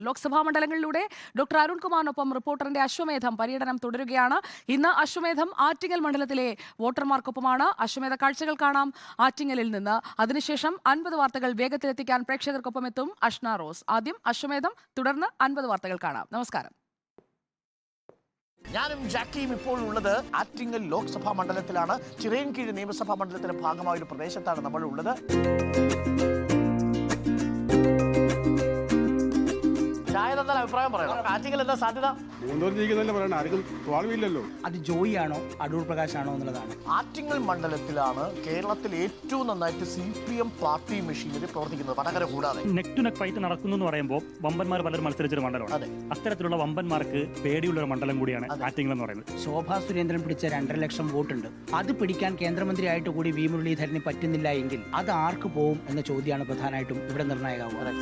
Lok Sabha മണ്ഡലങ്ങളിലൂടെ doctor അരുൺകുമാറിനൊപ്പം റിപ്പോർട്ടറിന്റെ അശ്വമേധം പര്യടനം തുടരുകയാണ്. ഇന്ന് അശ്വമേധം ആറ്റിങ്ങൽ മണ്ഡലത്തിലെ വോട്ടർമാർക്കൊപ്പമാണ്. അശ്വമേധ കാഴ്ചകൾ കാണാം ആറ്റിങ്ങലിൽ നിന്ന്. അതിനുശേഷം 50 വാർത്തകൾ വേഗത്തിലെത്തിക്കാൻ പ്രേക്ഷകർക്കൊപ്പം എത്തും അഷ്ന റോസ്. ആദ്യം അശ്വമേധം, തുടർന്ന് 50 വാർത്തകൾ കാണാം. നമസ്കാരം. ഞാനും ജാക്കിയും ഇപ്പോൾ ഉള്ളത് ആറ്റിങ്ങൽ ലോക്സഭാ മണ്ഡലത്തിലാണ്. ചിറയൻകീഴ് നിയമസഭാ മണ്ഡലത്തിന്റെ ഭാഗമായ ഒരു പ്രദേശത്താണ് നമ്മൾ ഉള്ളത്. അഭിപ്രായം പറയണം. ആറ്റിങ്ങൽ എന്താ സാധ്യത? അത് ജോയി ആണോ അടൂർ പ്രകാശ് ആണോ എന്നുള്ളതാണ്. ആറ്റിങ്ങൽ മണ്ഡലത്തിലാണ് കേരളത്തിൽ ഏറ്റവും നന്നായിട്ട് CPM പാർട്ടി മെഷീനറി പ്രവർത്തിക്കുന്നത്, വടകര കൂടാതെ. നെക്ക് ടു നെക്ക് ഫൈറ്റ് നടക്കുന്നു എന്ന് പറയുമ്പോൾ വമ്പന്മാർ പലരും മത്സരിച്ചൊരു മണ്ഡലമാണ്. അത്തരത്തിലുള്ള വമ്പന്മാർക്ക് പേടിയുള്ള ഒരു മണ്ഡലം കൂടിയാണ് ആറ്റിങ്ങൽ എന്ന് പറയുന്നത്. ശോഭാ സുരേന്ദ്രൻ പിടിച്ച 2.5 ലക്ഷം വോട്ടുണ്ട്. അത് പിടിക്കാൻ കേന്ദ്രമന്ത്രിയായിട്ട് കൂടി വി മുരളീധരന് പറ്റുന്നില്ല എങ്കിൽ അത് ആർക്ക് പോവും എന്ന ചോദ്യമാണ് പ്രധാനമായിട്ടും ഇവിടെ നിർണായകമാവുക.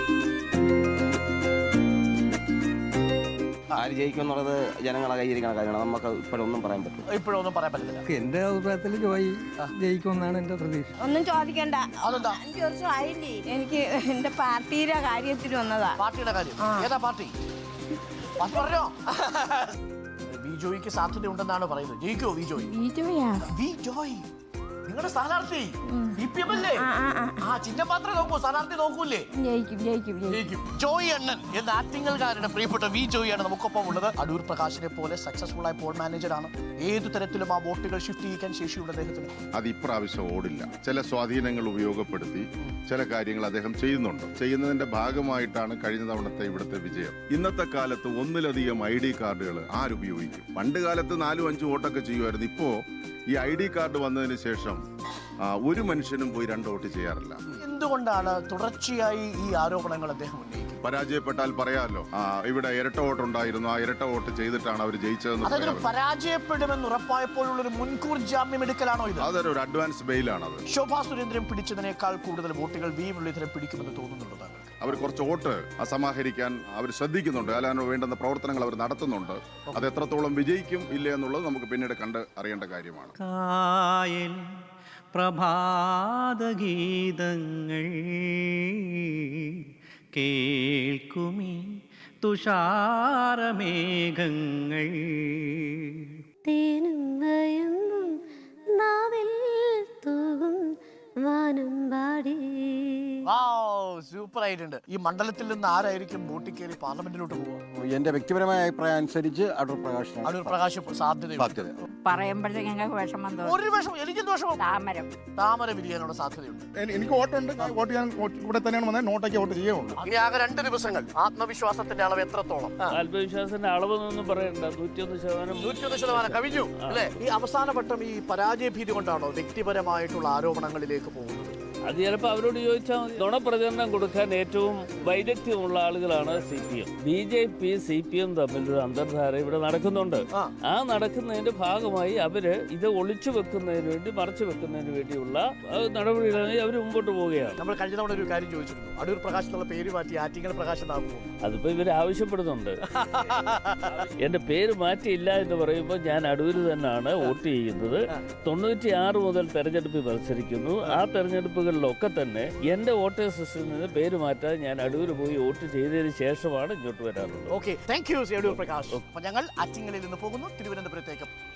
ആര് ജയിക്കുമെന്നുള്ളത് ജനങ്ങളെ കയ്യിരിക്കണ കാര്യമാണ്. നമുക്ക് ഇപ്പോഴൊന്നും പറയാൻ പറ്റില്ല. എന്റെ അഭിപ്രായത്തിൽ ജോയി ജയിക്കുമെന്നാണ് എന്റെ പ്രതീക്ഷ. ഒന്നും ചോദിക്കണ്ട. 5 വർഷം ആയില്ലേ എനിക്ക് എന്റെ പാർട്ടിയുടെ കാര്യത്തിന് വന്നതാ. പാർട്ടിയുടെ കാര്യം ഏതാ പാർട്ടി? പറഞ്ഞോ. വിജോയ്ക്ക് സാധ്യത ഉണ്ടെന്നാണ് പറയുന്നത്. ജയിക്കോ വിജോയ്? വിജോയ് നിങ്ങളുടെ സ്ഥാനാർത്ഥി CPM അല്ലേ? ചിഹ്നപാത്രം നോക്കൂ, സ്ഥാനാർത്ഥി നോക്കൂലേ? ജയിക്കും. ജോയി അണ്ണൻ എന്ന ആറ്റിങ്ങൽകാരുടെ പ്രിയപ്പെട്ട വിജോയാണ് നമുക്കൊപ്പം ഉള്ളത്. അടൂർ പ്രകാശിനെ പോലെ സക്സസ്ഫുൾ ആയ പോൾ മാനേജറാണ്. ഏതു തരത്തിലും ആ വോട്ടുകൾ ഷിഫ്റ്റ് ചെയ്യിക്കാൻ ശേഷിയുള്ള അദ്ദേഹത്തിന്. അത് ഇപ്രാവശ്യം ഓടില്ല. ചില സ്വാധീനങ്ങൾ ഉപയോഗപ്പെടുത്തി ചില കാര്യങ്ങൾ അദ്ദേഹം ചെയ്യുന്നുണ്ട്. ചെയ്യുന്നതിന്റെ ഭാഗമായിട്ടാണ് കഴിഞ്ഞ തവണത്തെ ഇവിടുത്തെ വിജയം. ഇന്നത്തെ കാലത്ത് ഒന്നിലധികം ID കാർഡുകൾ ആരുപയോഗിക്കും? പണ്ട് കാലത്ത് 4-5 വോട്ടൊക്കെ ചെയ്യുമായിരുന്നു. ഇപ്പോ ഈ ID കാർഡ് വന്നതിന് ശേഷം ഒരു മനുഷ്യനും പോയി 2 വോട്ട് ചെയ്യാറില്ല. എന്തുകൊണ്ടാണ് തുടർച്ചയായി ഈ ആരോപണങ്ങൾ അദ്ദേഹം ഉന്നയിക്കുന്നത്? പരാജയപ്പെട്ടാൽ പറയാമല്ലോ, ഇവിടെ ഇരട്ട വോട്ടുണ്ടായിരുന്നു, ആ ഇരട്ട വോട്ട് ചെയ്തിട്ടാണ് അവർ ജയിച്ചതെന്ന്. പരാജയപ്പെടുമെന്ന് ഉറപ്പായപ്പോഴുള്ളൊരു മുൻകൂർ ജാമ്യം എടുക്കലാണോ ഇത്? അതൊരു അഡ്വാൻസ് ബെയിലാണത്. ശോഭാ സുരേന്ദ്രൻ പിടിച്ചതിനേക്കാൾ കൂടുതൽ വോട്ടുകൾ വി മുരളീധരൻ പിടിക്കുമെന്ന് തോന്നുന്നുണ്ടോ താങ്കൾ? അവർ കുറച്ച് വോട്ട് സമാഹരിക്കാൻ അവർ ശ്രദ്ധിക്കുന്നുണ്ട്. അതിന് വേണ്ടുന്ന പ്രവർത്തനങ്ങൾ അവർ നടത്തുന്നുണ്ട്. അത് എത്രത്തോളം വിജയിക്കും ഇല്ല എന്നുള്ളത് നമുക്ക് പിന്നീട് കണ്ട് അറിയേണ്ട കാര്യമാണ്. പ്രഭാതഗീതങ്ങൾ കേൾക്കുമീ തുഷാരമേഘങ്ങൾ തേനും വയമ്പും നാവിൽ തൂകും വാനമ്പാടി. സൂപ്പർ ആയിട്ടുണ്ട്. ഈ മണ്ഡലത്തിൽ നിന്ന് ആരായിരിക്കും വോട്ടിൽ കയറി പാർലമെന്റിലോട്ട് പോവുക? എന്റെ വ്യക്തിപരമായ അഭിപ്രായം അനുസരിച്ച് അടൂർ പ്രകാശ് സാധ്യതയുണ്ട്. പറയുമ്പോഴത്തേക്ക് ഞങ്ങൾക്ക് വിഷമം തോന്നും. ഒരു വിഷമം എനിക്കും ദോഷമോ? താമര വിരിയാനുള്ള സാധ്യതയുണ്ട്. എനിക്ക് വോട്ടുണ്ട്. വോട്ട് ചെയ്യാൻ ഇവിടെ തന്നെയാണ് വന്നത്. നോട്ടൊക്കെ വോട്ട് ചെയ്യുള്ളൂ. ഇനി ആകെ 2 ദിവസങ്ങൾ. ആത്മവിശ്വാസത്തിന്റെ അളവ് എത്രത്തോളം? ആത്മവിശ്വാസത്തിന്റെ അളവൊന്നും പറയണ്ട. 101% കവിഞ്ഞു അല്ലേ? ഈ അവസാനവട്ടം ഈ പരാജയ ഭീതി കൊണ്ടാണോ വ്യക്തിപരമായിട്ടുള്ള ആരോപണങ്ങളിലേക്ക് പോകുന്നത്? അത് ചിലപ്പോൾ അവരോട് ചോദിച്ചാൽ മതി. നുണപ്രചരണം കൊടുക്കാൻ ഏറ്റവും വൈദഗ്ധ്യമുള്ള ആളുകളാണ് CPM. BJP CPM തമ്മിലൊരു അന്തർധാര ഇവിടെ നടക്കുന്നുണ്ട്. ആ നടക്കുന്നതിന്റെ ഭാഗമായി അവര് ഇത് ഒളിച്ചു വെക്കുന്നതിന് വേണ്ടി, മറച്ചു വെക്കുന്നതിന് വേണ്ടിയുള്ള നടപടികളായി അവർ മുമ്പോട്ട് പോവുകയാണ്. നമ്മൾ കഴിഞ്ഞ തവണ ഒരു കാര്യം ചോദിച്ചിരുന്നു, അടൂർ പ്രകാശ് എന്നുള്ള പേര് മാറ്റി ആറ്റിങ്ങൽ പ്രകാശ് എന്നാകുമോ? അതിപ്പോ ഇവർ ആവശ്യപ്പെടുന്നുണ്ട്. എന്റെ പേര് മാറ്റിയില്ല എന്ന് പറയുമ്പോൾ ഞാൻ അടൂര് തന്നെയാണ് വോട്ട് ചെയ്യുന്നത്. 96 മുതൽ തെരഞ്ഞെടുപ്പിൽ മത്സരിക്കുന്നു. ആ തെരഞ്ഞെടുപ്പുകളിലൊക്കെ തന്നെ എന്റെ വോട്ടേഴ്സ് ലിസ്റ്റിൽ നിന്ന് പേര് മാറ്റാൻ ഞാൻ അടൂര് പോയി വോട്ട് ചെയ്തതിന് ശേഷമാണ് ഇങ്ങോട്ട് വരാറുള്ളത്. Okay, thank you Adoor Prakash. ഞങ്ങൾ ആറ്റിങ്ങലിൽ നിന്ന് പോകുന്നു തിരുവനന്തപുരത്തേക്ക്.